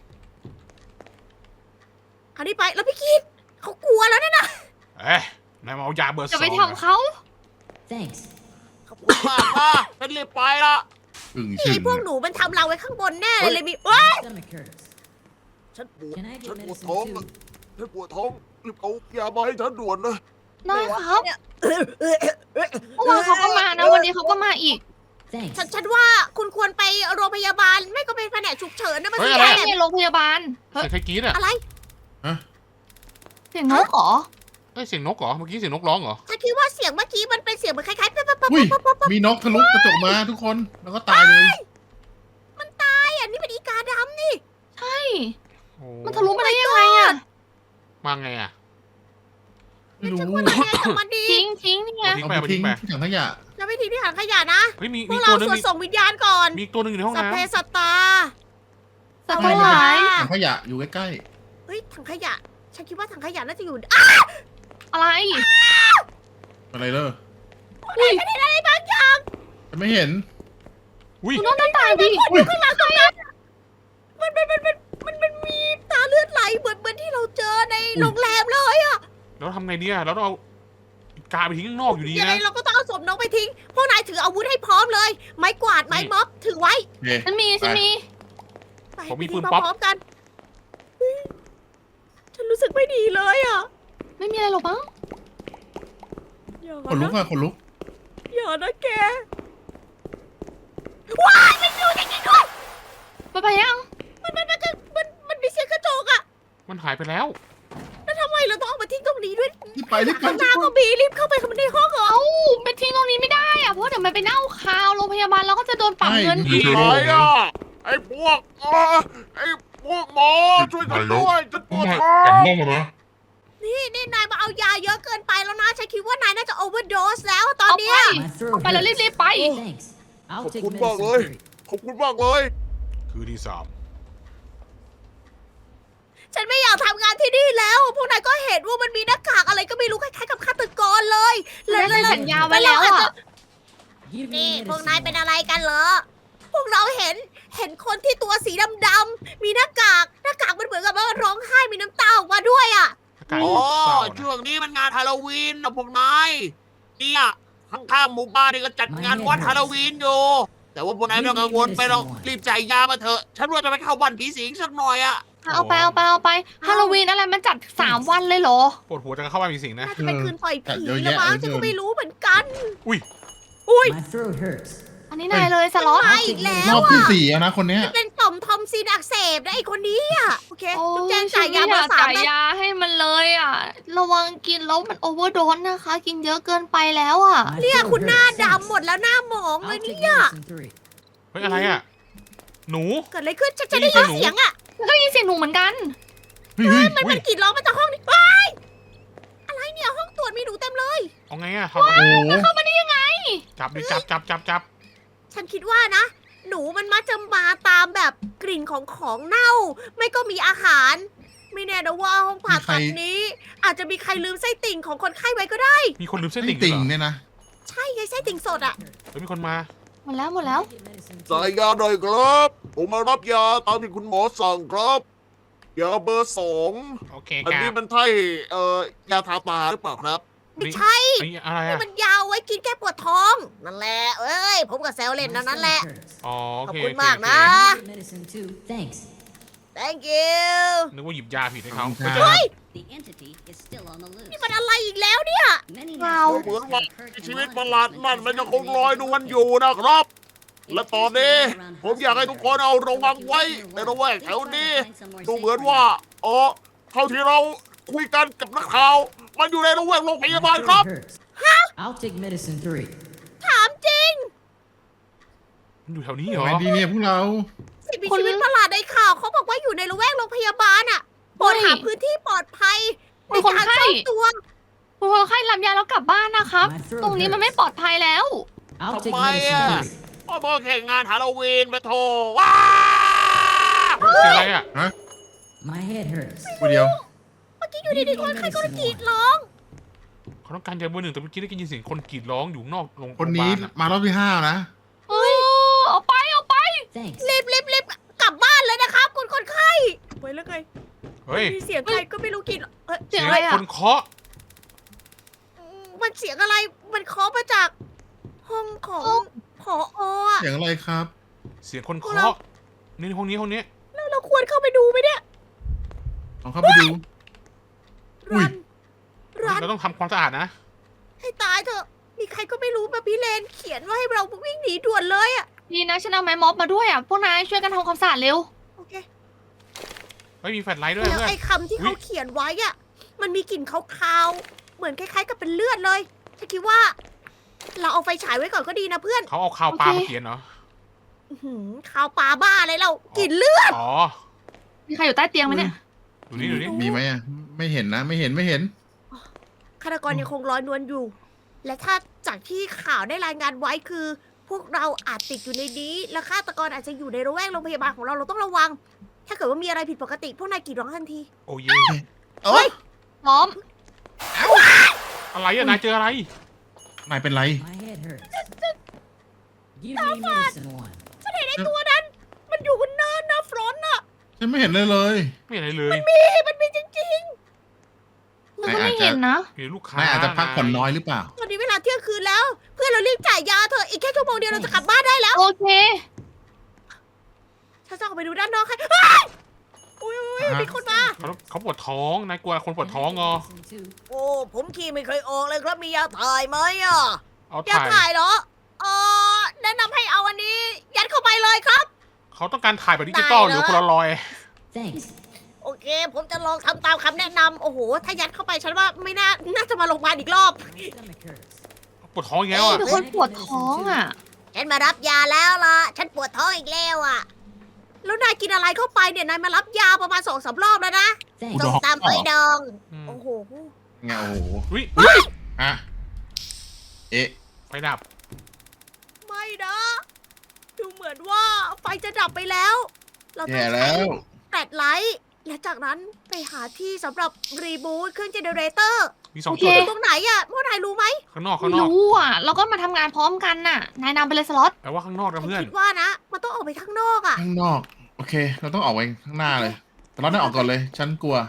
[SPEAKER 1] เอานี้ไป แล้วพี่คิดเขากลัวแล้วนั่นน่ะ
[SPEAKER 2] เอ๊ะนายมาเอายาเบอร์ส
[SPEAKER 3] จะ
[SPEAKER 2] อง
[SPEAKER 3] ไป
[SPEAKER 2] เหรอ
[SPEAKER 3] ทำเขา
[SPEAKER 6] Thanks.
[SPEAKER 5] ขอบคุณมากนะฉันรีบไปละ
[SPEAKER 4] อึ่ง
[SPEAKER 1] นี่
[SPEAKER 4] ชึ่ง
[SPEAKER 1] ไอ้พวกหนูมันทำเราไว้ข้างบนแน่เลยเลยมีว้า
[SPEAKER 6] My stomach hurts.
[SPEAKER 5] ฉันปวด
[SPEAKER 6] Can I
[SPEAKER 5] ฉัน
[SPEAKER 6] get
[SPEAKER 5] ปวด
[SPEAKER 6] medicine
[SPEAKER 5] ท้อง
[SPEAKER 6] two?
[SPEAKER 5] ฉันปวดท้องรีบเอายามาให้ฉันด่วนนะ
[SPEAKER 3] ได้ครับเมื่อวานเขาก็มานะ วันนี้เขาก็มาอีก
[SPEAKER 6] Thanks.
[SPEAKER 1] ฉันฉันว่าคุณควรไปโรงพยาบาล ไม่ก็ไปแผนกฉุกเฉินนะมัน
[SPEAKER 2] เฮ้ย
[SPEAKER 1] ไม่
[SPEAKER 2] อะไร
[SPEAKER 1] ใช่
[SPEAKER 2] อะ
[SPEAKER 3] ในโรงพยาบาล
[SPEAKER 2] เสียงใครกรี๊ดอ่ะ
[SPEAKER 1] อะไร
[SPEAKER 3] เสียงนกเหรอ
[SPEAKER 2] เอ้ยเสียงนกเหรอเมื่อกี้เสียงนกร้องเหรอ
[SPEAKER 1] ฉันคิดว่าเสียงเมื่อกี้มันเป็นเสียงเหมือนคล้ายๆปั๊บปั๊บปั๊บ
[SPEAKER 4] อุ้ย
[SPEAKER 1] ปั๊บปั๊บปั๊บ
[SPEAKER 4] มีนกทะลุกระจกมาทุกคน แล้วก็ตายเลย
[SPEAKER 1] ไอ้อันนี้เป็นอีกาดำนี่
[SPEAKER 3] ใช่
[SPEAKER 2] โอ้
[SPEAKER 3] มันทะลุมาได้ยังไงอ่ะ
[SPEAKER 2] มาไงอ่ะ
[SPEAKER 4] ไม่รู้
[SPEAKER 1] ฉันควรทำยังไงกับมันดี
[SPEAKER 3] ทิ้งทิ้งนี่ไง
[SPEAKER 2] ทิ้ง
[SPEAKER 4] เอา
[SPEAKER 2] ไป
[SPEAKER 4] ไป
[SPEAKER 2] เอาไป
[SPEAKER 4] ทิ้
[SPEAKER 2] ทิ้
[SPEAKER 4] ง
[SPEAKER 2] งไป
[SPEAKER 4] ที่ถังขยะ
[SPEAKER 1] เราไม่ทิ้งที่ถังขยะนะ
[SPEAKER 2] เฮ้ยมี
[SPEAKER 1] พ
[SPEAKER 2] มี
[SPEAKER 1] วก
[SPEAKER 2] ตั
[SPEAKER 1] เรา
[SPEAKER 2] วหนึง
[SPEAKER 1] สวด
[SPEAKER 2] มี
[SPEAKER 1] ส่งวิญญาณก่อน
[SPEAKER 2] มีอีกตัวหนึงอยู่ในห้อง
[SPEAKER 1] สัพ
[SPEAKER 2] น้
[SPEAKER 1] เพสัตตา
[SPEAKER 3] สัตว์ทั้งหลาย
[SPEAKER 4] ถังขยะอยู่ใกล้
[SPEAKER 1] เฮ้ยถังขยะ ฉันคิดว่าถังขยะน่าจะอยู่อ่ะ
[SPEAKER 3] อะไร
[SPEAKER 4] ๆอะไรเลย
[SPEAKER 3] อุ้ย
[SPEAKER 1] ฉันเห็นอะไรบางอย่าง
[SPEAKER 4] จะไม่เห็น
[SPEAKER 2] ำอุ้ย
[SPEAKER 3] ดูน้องหน้าตางดิ
[SPEAKER 4] อุ้ย
[SPEAKER 1] ข้างหลังตรงนั้นมันมันมันมันมันมันมีตาเลือดไหลเหมือนเหมือนที่เราเจอในโรงแรมเลยอะ
[SPEAKER 2] แล้วทำไงดีอะเราต้องเอากาไปทิ้งข้างนอกอยู่ดี
[SPEAKER 1] ยังไง
[SPEAKER 2] นะ
[SPEAKER 1] เราก็ต้องเอาศพน้องไปทิ้ง พวกนายถืออาวุธให้พร้อมเลย ไม้กวาด ไม้ม็อบ ถือไว้
[SPEAKER 4] โอเค
[SPEAKER 3] ฉันมีฉันมี
[SPEAKER 1] ไป
[SPEAKER 2] ผมมี
[SPEAKER 1] ไป
[SPEAKER 2] ปืน
[SPEAKER 1] ทิ้ง
[SPEAKER 2] ป๊อป
[SPEAKER 1] พร้อมๆกันเฮ้ยฉันรู้สึกไม่ดีเลยอะ
[SPEAKER 3] ไม่มีอะไรหรอกมั้ง
[SPEAKER 1] อย่า
[SPEAKER 4] ขนลุก
[SPEAKER 1] นะ
[SPEAKER 4] อะขนลุก
[SPEAKER 1] อย่านะแก ว้ายมันอยู่จริงๆด้วย
[SPEAKER 3] ไปไปยัง
[SPEAKER 1] มันมันมันมันมันมีเสียงกระจกอะ
[SPEAKER 2] มันหายไปแล้ว
[SPEAKER 1] แล้วทำไมเราต้องเอามาทิ้งตรงนี้ด้วย
[SPEAKER 4] รีบไปรีบไป
[SPEAKER 1] ข้างหน้าก็มีรีบเข้าไปเข้ามาในห้องเหรอ
[SPEAKER 3] เอ้าไปทิ้งตรงนี้ไม่ได้อะเพราะเดี๋ยวมันไปเน่าคาวโรงพยาบาลแล้วก็จะโดนปรับเงิน
[SPEAKER 4] ใช่
[SPEAKER 3] อีก
[SPEAKER 5] ไหนอ่ะ ไอ้พวกเอ่อไอ้พวกหมอช่วยฉันด้วยฉันปวดท้อง
[SPEAKER 7] กลับห้องมานะ
[SPEAKER 1] นี่นี่นายมาเอายาเยอะเกินไปแล้วนะ ฉันคิดว่านายน่าจะโอเวอร์โดสแล้วตอน
[SPEAKER 3] เอา
[SPEAKER 1] เนี้
[SPEAKER 3] ไป
[SPEAKER 1] ย
[SPEAKER 6] My throat
[SPEAKER 3] เอาไปแล้ว
[SPEAKER 6] hurts.
[SPEAKER 3] รีบๆไป
[SPEAKER 6] Thanks.
[SPEAKER 5] ข
[SPEAKER 6] I'll
[SPEAKER 5] อบ
[SPEAKER 6] take
[SPEAKER 5] คุณมากเลย
[SPEAKER 6] medicine three.
[SPEAKER 5] ขอบคุณมากเลย
[SPEAKER 2] คือที่สาม
[SPEAKER 1] ฉันไม่อยากทำงานที่นี่แล้ว พวกนายก็เห็นว่ามันมีหน้ากากอะไรก็ไม่รู้คล้ายๆกับฆาตกรเลย
[SPEAKER 3] เราได้สัญญาไว้แล้วอะ
[SPEAKER 6] Give me
[SPEAKER 1] นี่พวก
[SPEAKER 6] medicine
[SPEAKER 1] นายเป็น
[SPEAKER 6] one.
[SPEAKER 1] อะไรกันเหรอ พวกเราเห็นเห็นคนที่ตัวสีดำๆมีหน้ากาก หน้ากากมันเหมือนกับว่าร้องไห้มีน้ำตาออกมาด้วยอ่ะ
[SPEAKER 2] อากาศ
[SPEAKER 5] อ๋อ
[SPEAKER 2] เศร้านะ
[SPEAKER 5] ช่วงนี้มันงานฮาโลวีนนะพวกนายเนี่ยข้างๆหมู่บ้านนี่ก็จัดงานวันฮาโลวีนอยู่ แต่ว่าพวกนายไม่ต้องกังวลไปหรอกรีบจ่ายยามาเถอะ ฉันว่าจะไปเข้าบ้านผีสิงสักหน่อยอะ
[SPEAKER 3] เอาไปเอาไปเอาไปฮาโลวีนอะไรมันจัดสามวันเลยเหรอ
[SPEAKER 2] ปวดหัวจะเข้าบ้านมีสิ่งนะ
[SPEAKER 1] น่าจะเป็นคืนปล่อยผี
[SPEAKER 4] เยอะ
[SPEAKER 1] แล้ว
[SPEAKER 4] แยะ
[SPEAKER 1] มั้ง
[SPEAKER 4] เหลือเกิน
[SPEAKER 1] ฉันก็ไม่รู้เหมือนกัน
[SPEAKER 2] อุ้ย
[SPEAKER 1] อุ้ย
[SPEAKER 6] My throat hurts.
[SPEAKER 3] อันนี้นายเลยสล็อต
[SPEAKER 1] มาอีกแล้
[SPEAKER 4] ร
[SPEAKER 1] ว
[SPEAKER 4] อบที่
[SPEAKER 1] อ่ะ
[SPEAKER 4] สี่แล้วนะคนเนี้ย
[SPEAKER 1] เป็นต่อมทอมซินอักเสบนะไอคนนี้อ่ะ โอเค
[SPEAKER 3] โอ้
[SPEAKER 1] จุ๊บแจง
[SPEAKER 3] ฉั
[SPEAKER 1] จ่าน ยยา
[SPEAKER 3] ไม่อ
[SPEAKER 1] มาย
[SPEAKER 3] าก
[SPEAKER 1] สาม
[SPEAKER 3] จ่าย
[SPEAKER 1] เม็ด
[SPEAKER 3] ยาให้มันเลยอ่ะ ระวังกินแล้วมันโอเวอร์โดสนะคะ กินเยอะเกินไปแล้วอ่ะ
[SPEAKER 6] My
[SPEAKER 1] เนี่ย
[SPEAKER 6] throat
[SPEAKER 1] คุณหน้า
[SPEAKER 6] hurts.
[SPEAKER 1] ดำหมดแล้วหน้าหมองเล
[SPEAKER 6] I'll
[SPEAKER 1] ย
[SPEAKER 6] take
[SPEAKER 1] เนี่ย
[SPEAKER 6] medicine three.
[SPEAKER 2] เฮ้ยอะไรอ่ะ หนู
[SPEAKER 1] เกิดอะไรขึ้นฉันจะ
[SPEAKER 2] ได้
[SPEAKER 1] ได้
[SPEAKER 2] ยิ
[SPEAKER 1] ยิ
[SPEAKER 2] น
[SPEAKER 1] น
[SPEAKER 2] เสี
[SPEAKER 1] เสี
[SPEAKER 2] ย
[SPEAKER 1] ย
[SPEAKER 2] ง
[SPEAKER 1] ง
[SPEAKER 2] หนู
[SPEAKER 1] อ่ะ
[SPEAKER 3] แล้วก็ยินเสียงหนูเหมือนกัน
[SPEAKER 4] เฮ้ยเฮ้ย
[SPEAKER 1] มัน
[SPEAKER 4] อุ้
[SPEAKER 1] มั
[SPEAKER 4] ย
[SPEAKER 1] นกรีดร้องมาจากห้องนี้ว้ายอะไรเนี่ยห้องตรวจมีหนูเต็มเลย
[SPEAKER 2] เอาไงอ่ะทำ
[SPEAKER 4] โอ้โห
[SPEAKER 3] เข้ามาได้ยังไง
[SPEAKER 2] จับดิจับจับจับจับ
[SPEAKER 1] ฉันคิดว่านะ หนูมันมักจะมาตามแบบกลิ่นของของเน่า ไม่ก็มีอาหาร ไม่แน่นะว่าห้องผ่าตัดนี้ อาจจะมีใครลืมไส้ติ่งของคนไข้ไว้ก็ได้
[SPEAKER 2] มีคนลืมเส้น
[SPEAKER 4] ไม่
[SPEAKER 2] ติ่ง
[SPEAKER 4] ติ่ง
[SPEAKER 2] เหรอ
[SPEAKER 4] เนี่ยนะ
[SPEAKER 1] ใช่ไงไส้ติ่งสดอ่ะ
[SPEAKER 2] เฮ้ยมีคนมา
[SPEAKER 3] หมดแล้วหมดแล้ว
[SPEAKER 6] Get medicine
[SPEAKER 5] จ่าย
[SPEAKER 6] two.
[SPEAKER 5] ยาหน่อยครับ ผมมารับยาตามที่คุณหมอสั่งครับยาเบอร์สอง
[SPEAKER 2] โอเค
[SPEAKER 5] อัน
[SPEAKER 2] ครั
[SPEAKER 5] นี้
[SPEAKER 2] บ
[SPEAKER 5] มันใช่เอ่อยาทาตาหรือเปล่าครับ
[SPEAKER 1] ไม่ใช่
[SPEAKER 2] อันนี้อะไร
[SPEAKER 1] นี่
[SPEAKER 2] อ่ะ
[SPEAKER 1] มันยาวไว้กินแก้ปวดท้อง นั่นแหละ เอ้ย ผมกับแซวเล่น
[SPEAKER 6] My
[SPEAKER 1] นั่นนั่น
[SPEAKER 6] stomach
[SPEAKER 1] แหละ
[SPEAKER 6] hurts.
[SPEAKER 2] อ๋อโอ
[SPEAKER 1] ขอบ
[SPEAKER 2] เค
[SPEAKER 1] คุณ
[SPEAKER 2] โอเค
[SPEAKER 1] มาก
[SPEAKER 2] โอเค
[SPEAKER 1] นะ
[SPEAKER 6] Get medicine two. Thanks.
[SPEAKER 1] thank you
[SPEAKER 2] นึกว่าหยิบยาผิดให้เขา
[SPEAKER 4] ขอบคุณครับ
[SPEAKER 2] เฮ้ย
[SPEAKER 7] The entity is still on the loose.
[SPEAKER 1] นี่มันอะไรอีกแล้วเนี่ย
[SPEAKER 7] Many
[SPEAKER 3] Wow.
[SPEAKER 7] national
[SPEAKER 5] เหมือนว่า
[SPEAKER 7] have hurt
[SPEAKER 5] ชี
[SPEAKER 7] and
[SPEAKER 5] วิต
[SPEAKER 7] law
[SPEAKER 5] ประหลาดนั่น
[SPEAKER 7] enforcement
[SPEAKER 5] มันยังคง
[SPEAKER 7] has
[SPEAKER 5] ลอยนวลอยู่นะครับ และตอนนี้
[SPEAKER 7] around
[SPEAKER 5] ผมอยากให้ทุกคนเอาระวังไว้ในระแวกแถวนี้ ดูเหมือนว่าอ๋อเท่าที่เราคุยกันกับนักข่าว มันอยู่ในระแวกโรงพยาบาล
[SPEAKER 6] My
[SPEAKER 5] ครับ
[SPEAKER 6] throat hurts. I'll take medicine three.
[SPEAKER 1] ถามจริง
[SPEAKER 2] มันอยู่แถวนี้เหรอ
[SPEAKER 4] ไงดีเนี่ยพวกเรา
[SPEAKER 1] สิ่งมี
[SPEAKER 3] คน
[SPEAKER 1] ชีวิตประหลาดในข่าวเขาบอกว่าอยู่ในละแวกโรงพยาบาลอ่ะโปรดหาพื้นที่ปลอดภัยใน
[SPEAKER 3] มีคน
[SPEAKER 1] การ
[SPEAKER 3] ไข้
[SPEAKER 1] ซ่อนตัว
[SPEAKER 3] คุณคนไข้รับยาแล้วกลับบ้านนะครับ
[SPEAKER 6] My throat
[SPEAKER 3] ตรงนี้มันไม่ปลอดภัยแล้ว
[SPEAKER 6] I'll take
[SPEAKER 5] ทำไม
[SPEAKER 6] medicine
[SPEAKER 5] อ่ะ
[SPEAKER 6] three.
[SPEAKER 5] พ่อบอกแข่งงานฮาโลวีนไปโทรว้า
[SPEAKER 2] เสียงอะไรอ่ะ
[SPEAKER 4] ฮะ
[SPEAKER 6] My head hurts.
[SPEAKER 4] คนเดียว
[SPEAKER 1] เมื่อกี้อยู่ดีๆคนไข้ก็กรีดร้อง
[SPEAKER 2] เขาต้องการยาเบอร์หนึ่งแต่เมื่อกี้ได้ยินเสียงคนกรีดร้องอยู่นอกโรง
[SPEAKER 4] คนนี้
[SPEAKER 2] โรงพยาบาลอะ
[SPEAKER 4] มารอบที่ห้านะ
[SPEAKER 3] เฮ้ยเอาไปเอาไป
[SPEAKER 6] Thanks.
[SPEAKER 1] รีบรีบรีบกลับบ้านเลยนะครับคุณคนไข้ไว้แล้วไง
[SPEAKER 2] เฮ้ย
[SPEAKER 1] มีเสียงใครก็ไม่รู้กรีดเอ้ย
[SPEAKER 3] เสียงอะไร
[SPEAKER 2] ค
[SPEAKER 3] อ่ะ
[SPEAKER 2] นเคาะ
[SPEAKER 1] มันเสียงอะไร มันเคาะมาจากห้องของผออ่ะ
[SPEAKER 4] เสียงอะไรครับ
[SPEAKER 2] เสียงคน
[SPEAKER 1] พวกเรา
[SPEAKER 2] เคาะนี่ห้องนี้ห้องนี้
[SPEAKER 1] แล้วเราควรเข้าไปดูไหมเนี่ย
[SPEAKER 4] ลองเข้าไปดู อุ้ย
[SPEAKER 1] รัน รัน
[SPEAKER 2] เราต้องทำความสะอาดนะ
[SPEAKER 1] ให้ตายเถอะ มีใครก็ไม่รู้มาพี่เลนเขียนว่าให้เราวิ่งหนีด่วนเลยอ่ะ
[SPEAKER 3] ดีนะฉันเอาไม้ม็อบมาด้วยอ่ะ พวกนายช่วยกันทำความสะอาดเร็ว
[SPEAKER 1] โอเค
[SPEAKER 2] ไม่มีแฟลชไลท์ด้วย
[SPEAKER 1] แล้ว
[SPEAKER 2] เพื่อน
[SPEAKER 1] ไอ้คำที่
[SPEAKER 2] อุ๊
[SPEAKER 1] เขา
[SPEAKER 2] ย
[SPEAKER 1] เขียนไว้อ่ะ มันมีกลิ่นคาวๆ เหมือนคล้ายๆกับเป็นเลือดเลยฉันคิดว่า เราเอาไฟฉายไว้ก่อนก็ดีนะเพื่อน
[SPEAKER 2] เขาเอาข่าวปลา
[SPEAKER 3] โอเค
[SPEAKER 2] มาเขียนเหรอ
[SPEAKER 1] อื้อหือคาวปลาบ้าอะไรเรากลิ่นเลือด
[SPEAKER 2] อ๋อ
[SPEAKER 3] มีใครอยู่ใต้เตียงไหมเนี่ย
[SPEAKER 2] ดูนี่ดูนี่
[SPEAKER 4] มีไหมอ่ะ ไม่เห็นนะ ไม่เห็นไม่เห็น
[SPEAKER 1] ฆาตกรยังคงลอยนวลอยู่ และถ้าจากที่ข่าวได้รายงานไว้คือ พวกเราอาจติดอยู่ในนี้ และฆาตกรอาจจะอยู่ในระแวกโรงพยาบาลของเราเราต้องระวัง ถ้าเกิดว่ามีอะไรผิดปกติ พวกนายกรีดร้องทันที
[SPEAKER 2] โอ้เย
[SPEAKER 4] เอ้ย
[SPEAKER 3] พร้อม
[SPEAKER 2] อะไรอะนายเจออะไร
[SPEAKER 4] นายเป็นไร
[SPEAKER 6] My head hurts. Give me medicine one.
[SPEAKER 1] ฉันเห็นไอ้ตัวนั้น มันอยู่บนเนินนะฟรอนต์น่ะ
[SPEAKER 4] ฉันไม่เห็นเลยเลย
[SPEAKER 2] ไม่เห็นอะไรเลย
[SPEAKER 1] มีมันมีจริง
[SPEAKER 3] มันก็ไม่เห็นนะ
[SPEAKER 2] เห็นลูกค้าน
[SPEAKER 4] ายอาจจะพักผ่อนน้อยหรือเปล่า
[SPEAKER 1] ๆ ตอนนี้เวลาเที่ยงคืนแล้ว เพื่อนเรารีบจ่ายยาเถอะ อีกแค่ชั่วโมงเดียวเราจะกลับบ้านได้แล้ว
[SPEAKER 3] โอเค
[SPEAKER 1] ฉันจะออกไปดูด้านนอกให้เฮ้ยอุ้ยอุ้ย
[SPEAKER 4] ฮะ
[SPEAKER 1] มีคนมา
[SPEAKER 2] เขาเขาปวดท้อง นายกลัวคนปวดท้องเหรอ
[SPEAKER 6] Medicine two.
[SPEAKER 1] โอ้ ผมขี่ไม่เคยออกเลยครับ มียาถ่ายไหมอ่ะ
[SPEAKER 2] เอา
[SPEAKER 1] ยา
[SPEAKER 2] ถ่าย
[SPEAKER 1] ถ่ายเหรอเออแนะนำให้เอาอันนี้ ยัดเข้าไปเลยครับ
[SPEAKER 2] เขาต้องการถ่ายแบบดิจิตอล
[SPEAKER 1] ได้
[SPEAKER 2] ห
[SPEAKER 1] เหรอ
[SPEAKER 2] รือโพลารอยด์
[SPEAKER 6] Thanks.
[SPEAKER 1] โอเค ผมจะลองทำตามคำแนะนำโอ้โห ถ้ายัดเข้าไปฉันว่าไม่น่า น่าจะมาโรงพยาบาลอีกรอบ
[SPEAKER 6] My stomach hurts.
[SPEAKER 2] ปวดท้องอีกแล้วอ่ะ
[SPEAKER 3] เป็นคนปวดท้องอ่ะ
[SPEAKER 1] ฉันมารับยาแล้วล่ะ ฉันปวดท้องอีกแล้วอ่ะแล้วนายกินอะไรเข้าไปเนี่ยนายมารับยาประมาณสองสามรอบแล้วนะ
[SPEAKER 7] Thanks.
[SPEAKER 1] ส้มตำไฟดอง
[SPEAKER 2] อืม
[SPEAKER 1] โอ้โห
[SPEAKER 4] ไงโอ้โห
[SPEAKER 2] วิ
[SPEAKER 4] ฮะเอ๊ะ
[SPEAKER 2] ไฟดับ
[SPEAKER 1] ไม่นะ ดูเหมือนว่าไฟจะดับไปแล้ว เราต้อ
[SPEAKER 4] แย่
[SPEAKER 1] ง
[SPEAKER 4] แล้
[SPEAKER 1] ใช้
[SPEAKER 4] ว
[SPEAKER 1] แฟลชไลท์และจากนั้นไปหาที่สำหรับรีบูตเครื่องเจเนเรเตอร์
[SPEAKER 2] มีสอง
[SPEAKER 3] โอเค
[SPEAKER 2] จุด
[SPEAKER 1] ตรงไหนอะพวกนายรู้ไหม
[SPEAKER 2] ข้างนอก
[SPEAKER 3] ไม่
[SPEAKER 2] ข้างนอก
[SPEAKER 3] รู้อ่ะ เราก็มาทำงานพร้อมกันน่ะ นายนำไปเลยสล็อต
[SPEAKER 2] แปลว่าข้างนอกนะเพื่อน
[SPEAKER 1] คิดว่านะ มันต้องออกไปข้างนอกอะ
[SPEAKER 4] ข้างนอก โอเค เราต้องออกไปข้างหน้าเลย แต่เราได้ออกก่อนเลย ฉันกลัว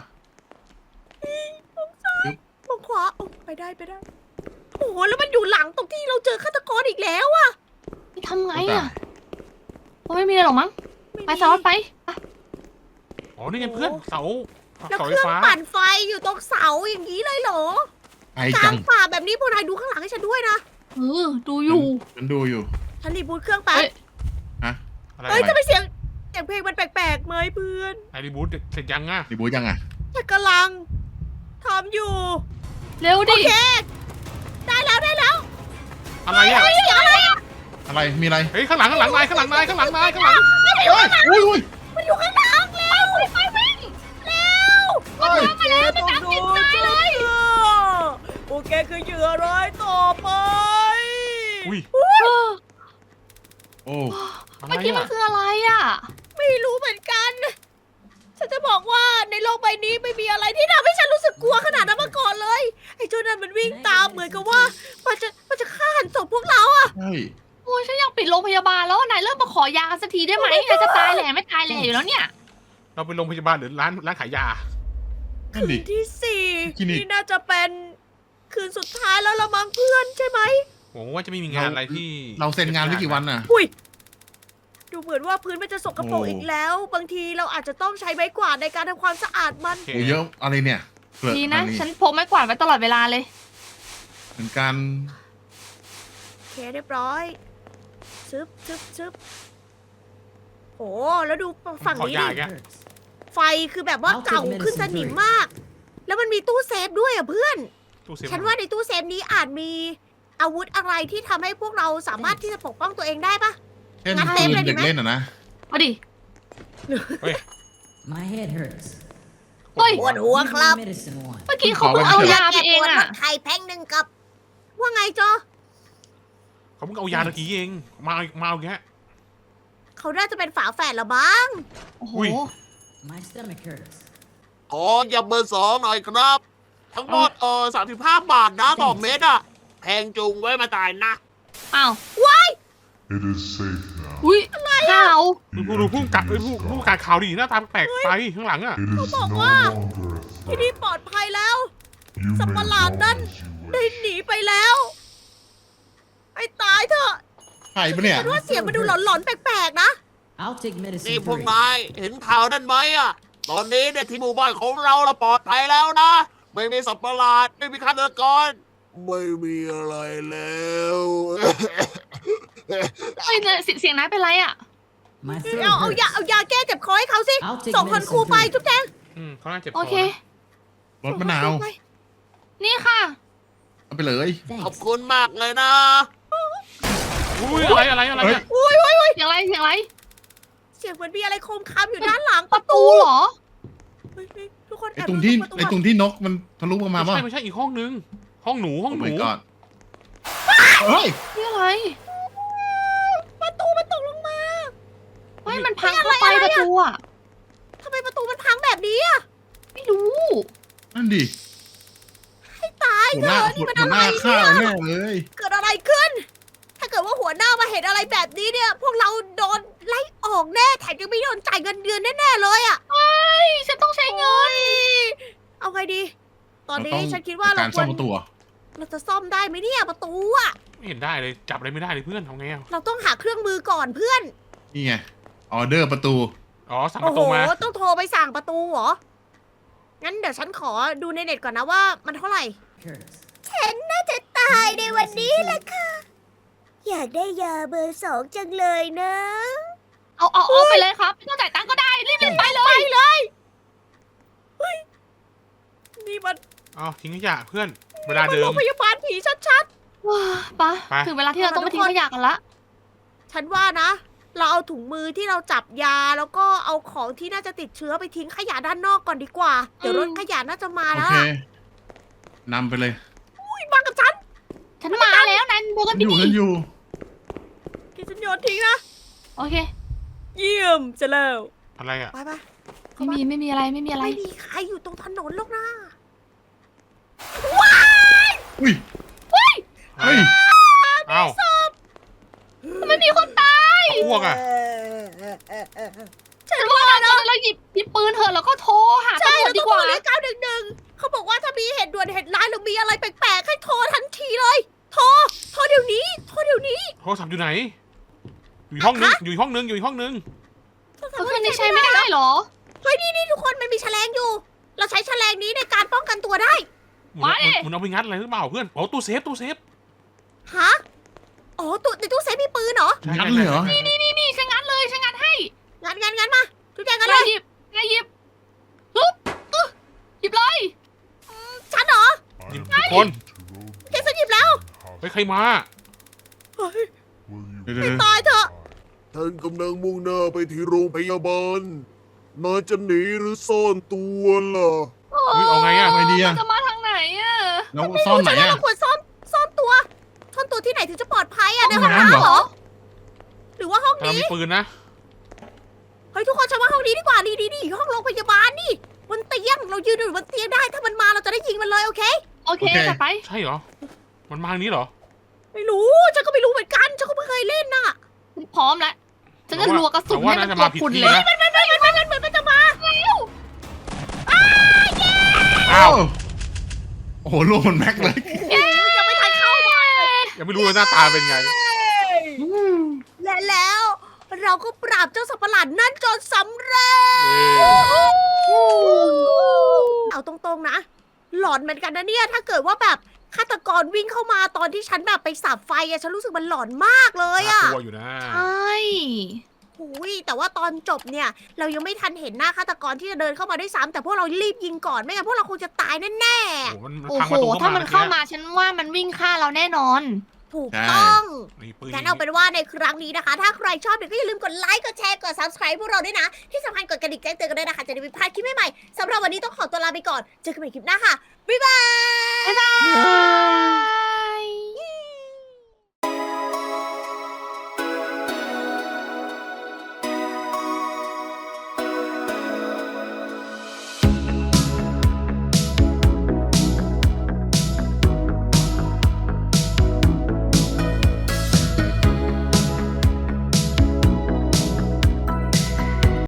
[SPEAKER 1] มองขวาโอ้ไปได้ไปได้ โอ้โห แล้วมันอยู่หลังตรงที่เราเจอฆาตกรอีกแล้วอะ
[SPEAKER 3] ทำไงอ่ะคงไม่มีอะไรหรอกมั้ง
[SPEAKER 1] ม่
[SPEAKER 3] ไป
[SPEAKER 1] มี
[SPEAKER 3] สล็อตไปไป
[SPEAKER 2] อ๋อ นี่ไงเพื่อน เสา
[SPEAKER 1] แล้ว
[SPEAKER 2] เสา
[SPEAKER 1] เค
[SPEAKER 2] ไฟ
[SPEAKER 1] รื่อง
[SPEAKER 2] ฟ้า
[SPEAKER 1] ปั่นไฟอยู่ตรงเสาอย่างนี้เลยเหรอ
[SPEAKER 4] ไอก
[SPEAKER 1] ลา
[SPEAKER 4] จั
[SPEAKER 1] ง
[SPEAKER 4] ง
[SPEAKER 1] ป่าแบบนี้พวกนายดูข้างหลังให้ฉันด้วยนะ
[SPEAKER 3] เออ ดูอยู่
[SPEAKER 4] ฉันดูอยู่
[SPEAKER 1] ฉันรีบูตเครื่องแป๊บ
[SPEAKER 3] เอ้ย
[SPEAKER 4] ฮะ
[SPEAKER 2] อะไร
[SPEAKER 1] เฮ้ยจะไปเสียงเสียงเพลงมันแปลกๆไหมเพื่อน
[SPEAKER 2] ไอรีบูทเสร็จยังอ่ะ
[SPEAKER 4] รีบูทยังอ่ะ
[SPEAKER 1] ฉันกำลังทำอยู่
[SPEAKER 3] เร็ว
[SPEAKER 1] โอ
[SPEAKER 3] ดิ
[SPEAKER 1] เค ได้แล้วได้แล้ว
[SPEAKER 2] อะไรอ่ะ
[SPEAKER 1] เสียงอะไรอ่ะ
[SPEAKER 4] อะไร มีอะไร
[SPEAKER 2] เฮ้ย ข้างหลัง ข้างหลังนาย ข้างหลังนาย ข้างหลังนาย ข้างหลัง
[SPEAKER 4] เฮ้ยอุ้ยอุ้ย
[SPEAKER 1] มันอยู่ข้างหลังเร็วไปวิ่งเร็ว
[SPEAKER 4] เฮ้ย
[SPEAKER 1] มาแล้วไปตามติดตายเลยโอเคคือเหยื่อร้ายต่อไป
[SPEAKER 2] อุ้ย
[SPEAKER 3] เออ
[SPEAKER 4] โอ้
[SPEAKER 2] อะไร
[SPEAKER 3] เมื่อกี้มัน
[SPEAKER 2] อ่ะ
[SPEAKER 3] คืออะไรอ่ะ
[SPEAKER 1] ไม่รู้เหมือนกัน ฉันจะบอกว่าในโลกใบนี้ไม่มีอะไรที่ทำให้ฉันรู้สึกกลัวขนาดนั้นมาก่อนเลย ไอ้เจ้านั่นมันวิ่งตามเหมือนกับว่ามันจะมันจะฆ่าหันศพพวกเราอะ
[SPEAKER 4] ใช่
[SPEAKER 3] โอ้ยฉันอยากปิดโรงพยาบาลแล้วนายเริ่มมาขอยากันสักทีได้ไหมนายจะตายแหล่ไม่ตายแหล่อยู่แล้วเนี่ย
[SPEAKER 2] เราไปโรงพยาบาลหรือร้านร้านขายยา
[SPEAKER 4] นั่น
[SPEAKER 1] คื
[SPEAKER 4] ดิ
[SPEAKER 1] นที่สี่
[SPEAKER 4] คลินิก
[SPEAKER 1] นี่น่าจะเป็นคืนสุดท้ายแล้วละมั้งเพื่อนใช่ไหม
[SPEAKER 2] หวังว่าจะไม่มีงานอะไรที่
[SPEAKER 4] เราเซ็นงานไว้กี่วันน่ะ
[SPEAKER 1] อุ้ยดูเหมือนว่าพื้นมันจะสกปรก
[SPEAKER 4] โอ้
[SPEAKER 1] อีกแล้ว บางทีเราอาจจะต้องใช้ไม้กวาดในการทำความสะอาดมัน
[SPEAKER 2] โอเค
[SPEAKER 4] โอ้เยอะอะไรเนี่ยเปลือก
[SPEAKER 3] ดีนะ
[SPEAKER 4] อั
[SPEAKER 3] ฉันพกไม้กวาดไว้ตลอดเวลาเลย
[SPEAKER 4] เหมือนกัน
[SPEAKER 1] โอเคเรียบร้อยชึบชึบชึบโอ้แล้วดูฝั่ง
[SPEAKER 2] ขอ
[SPEAKER 1] นี้
[SPEAKER 2] ยา
[SPEAKER 1] ดิ
[SPEAKER 2] แก
[SPEAKER 1] ไฟคือแบบว่าเก่าขึ้นสนิมมาก แล้วมันมีตู้เซฟด้วยอ่ะเพื่อน
[SPEAKER 2] ตู้เซฟ
[SPEAKER 1] ฉันว่าในตู้เซฟนี้อาจมีอาวุธอะไรที่ทำให้พวกเราสามารถที่จะปกป้องตัวเองได้ปะ
[SPEAKER 4] เช่น
[SPEAKER 1] นับเต็
[SPEAKER 4] ปื
[SPEAKER 1] ม
[SPEAKER 4] น
[SPEAKER 1] เลยดิ
[SPEAKER 4] เด็ก
[SPEAKER 1] ไหม
[SPEAKER 4] เล่นอ่ะนะ
[SPEAKER 3] เอาดิ
[SPEAKER 6] My head hurts.
[SPEAKER 3] เฮ้ย
[SPEAKER 1] ปวดหัวครับ
[SPEAKER 6] Medicine one.
[SPEAKER 3] เมื่อกี้เขาเพิ่งเอายาไปเอง
[SPEAKER 1] แก้ปวดล
[SPEAKER 3] อ่ะ
[SPEAKER 1] ดไข่แพ็งหนึ่งกับ ว่าไงจอ
[SPEAKER 2] เขาเพิ่งเอายาตะกี้เอง มามาเอาแก
[SPEAKER 1] เขาน่าจะเป็นฝาแฝดเหรอบ้าง
[SPEAKER 3] โอ้โห
[SPEAKER 2] อุ้ย
[SPEAKER 6] My stomach hurts.
[SPEAKER 5] ขอยำเบอร์สองหน่อยครับ ทั้งหมดเออสามสิบห้าบาทนะต่อเม็ดอะแพงจุงไว้มาตายนะ
[SPEAKER 3] อ้าว
[SPEAKER 8] It is safe now.
[SPEAKER 3] อุ้ยข่าว
[SPEAKER 2] ดูดูผู้กัดเอ้ยผู้ผู้การข่าวดีหน้าตาแปลกไปข้างหลังอ่ะ
[SPEAKER 8] It is no
[SPEAKER 1] บอกว่า
[SPEAKER 8] longer a
[SPEAKER 1] ที่
[SPEAKER 8] threat.
[SPEAKER 1] นี่ปลอดภัยแล้ว
[SPEAKER 8] You
[SPEAKER 1] สัตว์
[SPEAKER 8] may
[SPEAKER 1] ประหลาด
[SPEAKER 8] roam
[SPEAKER 1] นั่น
[SPEAKER 8] as you
[SPEAKER 1] ได้
[SPEAKER 8] wish.
[SPEAKER 1] หนีไปแล้ว ไอ้ตายเถอะ
[SPEAKER 4] ใช่ปะเนี่ย
[SPEAKER 1] ฉันว่าเสียงมันดูหลอนๆแปลกๆนะ
[SPEAKER 6] I'll take
[SPEAKER 5] นี่
[SPEAKER 6] medicine
[SPEAKER 5] พวก
[SPEAKER 6] three.
[SPEAKER 5] นายเห็นข่าวนั่นไหมอะตอนนี้เนี่ยที่หมู่บ้านของเราเราปลอดภัยแล้วนะ ไม่มีสัตว์ประหลาด ไม่มีฆาตกร ไม่มีอะไรแล้ว
[SPEAKER 3] เฮ้ยเนี่ยเสียเสียงนายเป็นไรอ่ะ
[SPEAKER 6] My
[SPEAKER 1] เอา
[SPEAKER 6] throat
[SPEAKER 1] เอายา
[SPEAKER 6] hurts.
[SPEAKER 1] เอายาแก้เจ็บคอให้เขาสิ
[SPEAKER 6] I'll take
[SPEAKER 1] ส่งคนครู
[SPEAKER 6] medicine
[SPEAKER 1] ไป
[SPEAKER 6] three.
[SPEAKER 1] จุ๊บแจง
[SPEAKER 2] อืมเขาน่าเจ็บค
[SPEAKER 3] โอ
[SPEAKER 2] อ
[SPEAKER 3] เค
[SPEAKER 2] นะ
[SPEAKER 4] รสมะนาว
[SPEAKER 1] ส่งคนครูไป
[SPEAKER 3] นี่ค่ะ
[SPEAKER 4] เอาไปเลย
[SPEAKER 5] ขอบ
[SPEAKER 6] Thanks.
[SPEAKER 5] คุณมากเลยนะ
[SPEAKER 2] อุ้ยอะไรอะไรอะไรเนี่ย
[SPEAKER 1] อุ้ยอุ้ยอุ้ย
[SPEAKER 3] เสียงอะไรเสียงอะไร
[SPEAKER 1] เสียงเหมือนมีอะไรโคมคามอยู่ด้านหลัง
[SPEAKER 3] ประตูเหรอ
[SPEAKER 1] เฮ้ยเฮ้ยทุกคน
[SPEAKER 4] ไอ้
[SPEAKER 1] แอบ
[SPEAKER 4] ตรงที่
[SPEAKER 1] ดูประ
[SPEAKER 4] ไอ้ตรงที่นกมันทะลุมา
[SPEAKER 2] ไม่
[SPEAKER 4] ป่ะ
[SPEAKER 2] ใช่ไม่ใช่อีกห้องนึง ห้องหนูห้องหนู
[SPEAKER 4] โอ้ my god เฮ้ย
[SPEAKER 3] นี่อะไร
[SPEAKER 1] ประตูมันตกลงมา
[SPEAKER 3] เฮ้ยมันพังเข้าไปประตูอ่ะ
[SPEAKER 1] ทำไมประตูมันพังแบบนี้อะ
[SPEAKER 3] ไม่รู้
[SPEAKER 4] นั่นดิ
[SPEAKER 1] ให้ตาย
[SPEAKER 4] หัว
[SPEAKER 1] เถ
[SPEAKER 4] หน้า
[SPEAKER 1] อะ
[SPEAKER 4] หั
[SPEAKER 1] นี่
[SPEAKER 4] ว
[SPEAKER 1] มัน
[SPEAKER 4] หั
[SPEAKER 1] อะ
[SPEAKER 4] วห
[SPEAKER 1] ไร
[SPEAKER 4] น้าข้า
[SPEAKER 1] เนี่
[SPEAKER 4] วย แน่เลย
[SPEAKER 1] เกิดอะไรขึ้น ถ้าเกิดว่าหัวหน้ามาเห็นอะไรแบบนี้เนี่ย พวกเราโดนไล่ออกแน่แถมยังไม่โดนจ่ายเงินเดือนแน่ๆเลยอะ
[SPEAKER 3] เฮ้ยฉันต้องใช้เงิน
[SPEAKER 1] เอาไงดี ตอนนี้
[SPEAKER 4] เราต้อง
[SPEAKER 1] ฉันคิดว่าเรา
[SPEAKER 4] การ
[SPEAKER 1] ค
[SPEAKER 4] ซ่
[SPEAKER 1] ว
[SPEAKER 4] อ
[SPEAKER 1] ร
[SPEAKER 4] มประตูอะ
[SPEAKER 1] เราจะซ่อมได้ไหมเนี่ยประตูอะ
[SPEAKER 2] ไม่เห็นได้เลยจับอะไรไม่ได้เลยเพื่อนทำไงอ่ะ
[SPEAKER 1] เราต้องหาเครื่องมือก่อนเพื่อน
[SPEAKER 4] นี่ไงออเดอร์ประตู
[SPEAKER 2] อ๋อสั่งป
[SPEAKER 1] โอ้
[SPEAKER 2] ระ
[SPEAKER 1] โห
[SPEAKER 2] ตูมา
[SPEAKER 1] ต้องโทรไปสั่งประตูเหรอ งั้นเดี๋ยวฉันขอดูในเน็ตก่อนนะว่ามันเท่าไหร่
[SPEAKER 6] Hurts.
[SPEAKER 1] ฉันน่าจะตายในวันนี้แหละค่ะ อยากได้ยาเบอร์สองจังเลยนะ
[SPEAKER 3] เอาเอาเอาไปเลยครับไม่ต้องจ่ายตังค์ก็ได้รีบรีบไปเลย
[SPEAKER 1] ไปเลยเฮ้ยนี่มัน
[SPEAKER 2] อ๋อทิ้งขยะเพื่อน เวลาเดิ
[SPEAKER 1] โร
[SPEAKER 2] ม
[SPEAKER 1] งพยาบาลผีชัด
[SPEAKER 3] ว้าไป
[SPEAKER 2] ไป
[SPEAKER 3] ถึงเวลาที่เราต้องไปทิ้งขยะกันละ
[SPEAKER 1] ๆ ฉันว่านะเราเอาถุงมือที่เราจับยาแล้วก็เอาของที่น่าจะติดเชื้อไปทิ้งขยะด้านนอกก่อนดีกว่า เดี๋ยวรถขยะน่าจะมา
[SPEAKER 4] โอ
[SPEAKER 1] แล้ว
[SPEAKER 4] เคน ำไปเลย
[SPEAKER 1] อุ้ยมากับฉัน
[SPEAKER 3] ฉันมาแล้วนันดูกัน
[SPEAKER 4] อ
[SPEAKER 3] พี่
[SPEAKER 4] ยู่
[SPEAKER 3] ดิ
[SPEAKER 4] ฉันอยู่
[SPEAKER 1] กินฉันโยนทิ้งนะ
[SPEAKER 3] โอเค
[SPEAKER 1] เยี่ยมจะแล้ว
[SPEAKER 2] อะไรอ่ะ
[SPEAKER 1] ไปไป
[SPEAKER 3] ไม่มีไม่มีอะไรไม่มีอะไร
[SPEAKER 1] ไม่มีใครอยู่ตรงถนนหรอกนะ
[SPEAKER 4] อุ้ยเฮ้ย
[SPEAKER 2] อ้าว
[SPEAKER 3] ไม่มีคนตาย
[SPEAKER 2] อ้วกอ่ะ
[SPEAKER 3] ฉันว่านะเราหยิบหยิบปืนเถอะแล้วก็โทรหา
[SPEAKER 1] ใช่
[SPEAKER 3] ตำรว
[SPEAKER 1] เรา
[SPEAKER 3] จดี
[SPEAKER 1] ต้อง
[SPEAKER 3] ก
[SPEAKER 1] โทร
[SPEAKER 3] ว่า
[SPEAKER 1] เรียกเก้าหนึ่งหนึ่งเขาบอกว่าถ้ามีเหตุด่วนเหตุร้ายหรือมีอะไรแปลกๆให้โทรทันทีเลย โทร โทรเดี๋ยวนี้ โทรเดี๋ยวนี้
[SPEAKER 2] โทรศัพท์อยู่ไหน อยู่อีกห้องนึง
[SPEAKER 1] ฮะ
[SPEAKER 2] อยู่อีกห้องนึง อยู่อีกห้องนึง
[SPEAKER 3] ก็คือนี่ใช้ไม่ได้เหรอ
[SPEAKER 1] เฮ้ยนี่นี่ทุกคนมันมีแฉลงอยู่ เราใช้แฉลงนี้ในการป้องกันตัวได้
[SPEAKER 2] มึง
[SPEAKER 3] มาดิ
[SPEAKER 2] มึงเอาไปงัดอะไรหรือเปล่าเพื่อนโอ้ตู้เซฟตู้เซฟ
[SPEAKER 1] ฮะ อ๋อตู้ในตู้เซฟมีปืนเหรอ
[SPEAKER 4] งั้นเลยเหรอ
[SPEAKER 3] นี่นี่นี่นี่ฉันงัดเลยฉันงัดให้
[SPEAKER 1] งั้นงั้นงั้นมาทุกอย่างกันเล
[SPEAKER 3] นาย
[SPEAKER 1] ย
[SPEAKER 3] หยิบนายหยิบฮึบอึ๊ะหยิบเลย
[SPEAKER 1] ฉันเหรอ
[SPEAKER 2] หยิบ
[SPEAKER 8] I
[SPEAKER 2] ทุกคน
[SPEAKER 1] แกฉันหยิบแล้ว
[SPEAKER 2] เฮ้ยใครมา
[SPEAKER 1] เฮ้ย
[SPEAKER 8] Will you
[SPEAKER 4] เดี๋ยวเดี๋ยว
[SPEAKER 1] ตายเถอะ
[SPEAKER 5] ท่านกำลังมุ่งหน้าไปที่โรงพยาบาลนายจะหนีหรือซ่อนตัวล่ะ
[SPEAKER 2] เฮ้ยเอาไงอะ
[SPEAKER 4] ไงดีอะ
[SPEAKER 3] มันจะมาทางไหนอะ
[SPEAKER 4] แล้วซ่อนไหน
[SPEAKER 1] ฉันว่า
[SPEAKER 4] อะ
[SPEAKER 1] เราควรซ่อนซ่อนตัว ซ่อนตัวที่ไหนถึงจะปลอดภัยอะใน
[SPEAKER 4] ห้
[SPEAKER 1] ห้
[SPEAKER 4] อ
[SPEAKER 1] อง ง
[SPEAKER 4] น้ำ
[SPEAKER 1] น้ำ
[SPEAKER 4] เหรอ
[SPEAKER 1] เหรอ หรือว่าห้อง
[SPEAKER 2] กำลัง
[SPEAKER 1] นี้
[SPEAKER 2] มีปืนนะ
[SPEAKER 1] เฮ้ยทุกคนฉันว่าห้องนี้ดีกว่าดีดีดีห้องโรงพยาบาลนี่บนเตียงเรายืนอยู่บนเตียงได้ถ้ามันมาเราจะได้ยิงมันเลยโอเค
[SPEAKER 3] โอเคจัดไป
[SPEAKER 2] ใช่เหรอ มันมาทางนี้เหรอ
[SPEAKER 1] ไม่รู้ฉันก็ไม่รู้เหมือนกันฉันก็ไม่เคยเล่นน่ะ
[SPEAKER 3] พร้อมแล้วฉันจะรัวกระสุน
[SPEAKER 2] แต่ว่า
[SPEAKER 3] ให้มั
[SPEAKER 2] น่าน จะ
[SPEAKER 3] ตัว
[SPEAKER 2] มาผิด
[SPEAKER 3] คุณ
[SPEAKER 2] ที่
[SPEAKER 3] เลย
[SPEAKER 2] นะ
[SPEAKER 1] มันมันมันมันมันเหมือนมันจะมา
[SPEAKER 2] อ้าว
[SPEAKER 4] โอ้โหลูกมันแม็กเลย
[SPEAKER 1] โอ้ยยังไม่ทันเข้ามา
[SPEAKER 2] ยังไม่รู้เลยหน้าตาเป็นไง
[SPEAKER 1] และแล้วเราก็ปราบเจ้าสัตว์ประหลาดนั่นจนสำเร็จ เอาตรงๆนะ หลอนเหมือนกันนะเนี่ย ถ้าเกิดว่าแบบฆาตกรวิ่งเข้ามาตอนที่ฉันแบบไปสับไฟอะฉันรู้สึกมันหลอนมากเลยอะ
[SPEAKER 2] น่ากลัวอยู่นะ
[SPEAKER 3] ใช่
[SPEAKER 1] หุยแต่ว่าตอนจบเนี่ย เรายังไม่ทันเห็นหน้าฆาตกรที่จะเดินเข้ามาด้วยซ้ำแต่พวกเรารีบยิงก่อนไม่งั้นพวกเราคงจะตายแน่
[SPEAKER 2] โอ้โหมันมัน
[SPEAKER 3] โอ้
[SPEAKER 2] พัง
[SPEAKER 3] โห
[SPEAKER 2] ประตู
[SPEAKER 3] ถ้า
[SPEAKER 2] เข้า
[SPEAKER 3] มั
[SPEAKER 2] มาน
[SPEAKER 3] เข้า
[SPEAKER 2] เมื่อ
[SPEAKER 3] มาฉันว่ามันวิ่งฆ่าเราแน่นอน
[SPEAKER 1] ๆ ถูกต้อง
[SPEAKER 2] กี้นี่ปืน
[SPEAKER 1] งั้นเอาเป็นว่าในครั้งนี้นะคะ ถ้าใครชอบเนี่ยก็อย่าลืมกดไลค์ กดแชร์ กด subscribe พวกเราด้วยนะ ที่สำคัญกดกระดิ่งแจ้งเตือนกันด้วยนะคะ จะได้ไม่พลาดคลิปใหม่ๆสำหรับวันนี้ต้องขอตัวลาไปก่อน เจอกันใหม่คลิปหน้าค่ะ บ๊ายบาย
[SPEAKER 3] บ๊ายบาย